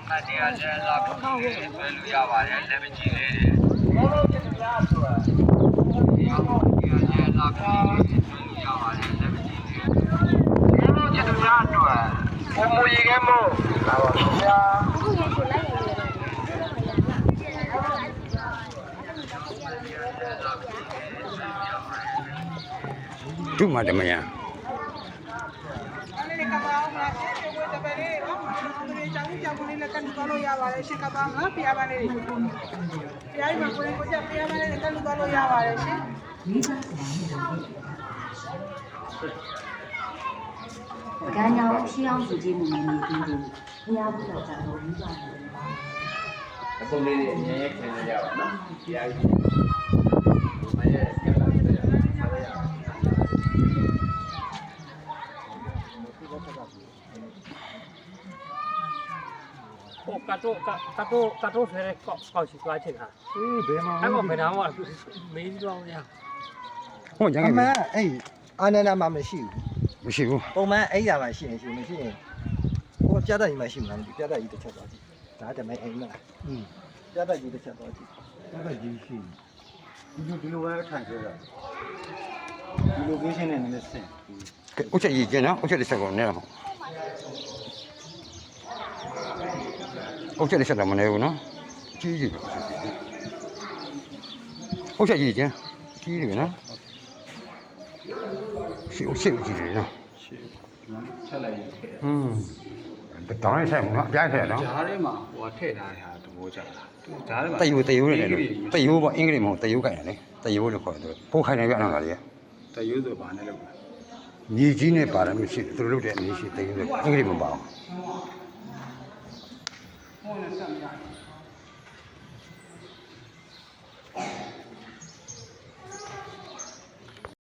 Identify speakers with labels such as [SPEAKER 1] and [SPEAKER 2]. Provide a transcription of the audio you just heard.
[SPEAKER 1] မတ်တရားလည်းလာပြီးဆွဲလို့ရပါတယ်လက်မကြည့်သေးတယ်ဘောလုံးကျတဲ့များဆိုတာတရားပေါ်တရားလည်းလာပြီးဆွဲလို့ရပါတယ်လက်မကြည့်သေးဘူးဘောလုံးကျတဲ့များအတွက်ဘုံမူရေကမို့လာပါဗျာ
[SPEAKER 2] ဒုမတမယ
[SPEAKER 3] ကြောင်လေးလည်းကန်တူလို့ရပါတယ်ရှင်ကပါငါပြရပါလေပြရမှာကိုယ်ကိုကြပြရပါလေကန်တူလို့ရပါတယ်ရှင်
[SPEAKER 4] 干要西洋书记们没听懂，你要不要再多理解？
[SPEAKER 1] အကုန်လေးတွေအမြဲခင်းနေကြပါနော်တရားကြီးမရဲ့ကလာတယ်ဆက်ရအောင်
[SPEAKER 5] โอ้กระโดดเลยก่อชิกว่าชิงค่ะ
[SPEAKER 2] ဘယ်မှာ
[SPEAKER 5] အဲ့ကောဘယ်နာမှမင်းကြောင်းရ
[SPEAKER 2] ဟောရန်
[SPEAKER 6] အ
[SPEAKER 2] က
[SPEAKER 6] မှန်အဲ့အာနန္ဒာမှမရှိဘူး
[SPEAKER 2] မရှိဘူး
[SPEAKER 6] ပုံမှန်အဲ့ရမှရှိရင်ရှိမရှိရင်ဟိုပြတ်တက်ကြီးမှရှိမှာမသိပြတ်တက်ကြီးတစ်ချက်သွားကြည့်ဒါတမဲအိမ်မလားပြတ်တက်ကြီးတစ်ချက်သွားကြည့်ပြတ်တက်ကြီးရှိဒီလိုပဲထိုင်ကြတာဒီလိုကိုရှင်းနေနေစင်
[SPEAKER 2] ဥချက်ရည်ကျင်းနော်ဥချက်တစ်ချက်ကိုနဲတော့ဥချက်တစ်ချက်တော့မနေဘူးနော်ကြီးကြီးဥချက်ရည်ကျင်းကြီးတယ်နော်ရှိဥချက်ကြီးတယ်နော်
[SPEAKER 1] ချက်လိုက်ရင်
[SPEAKER 2] တောင်းလိုက်ဆိုင်နော်အပြိုင်ဆိုင်နော်
[SPEAKER 1] ဓာတ်ထဲမှာဟိုထည့်ထားတဲ့ဟာသဘောကျတာဓာတ်ထဲမှာ
[SPEAKER 2] တယူနဲ့လေတယူပေါ့အင်္ဂလိပ်မဟုတ်တယူကြိုင်တယ်လေတယူလို့ခေါ်တယ်ပိုးခိုင်နေပြအောင်လားလေ
[SPEAKER 1] တရွဆိုဘာနဲ့လုပ်လဲ
[SPEAKER 2] ညီကြီးနဲ့ပါတယ်မရှိသူတို့လုပ်တဲ့အနည်းရှိတယူဆိုအင်္ဂလိပ်မပါဘူး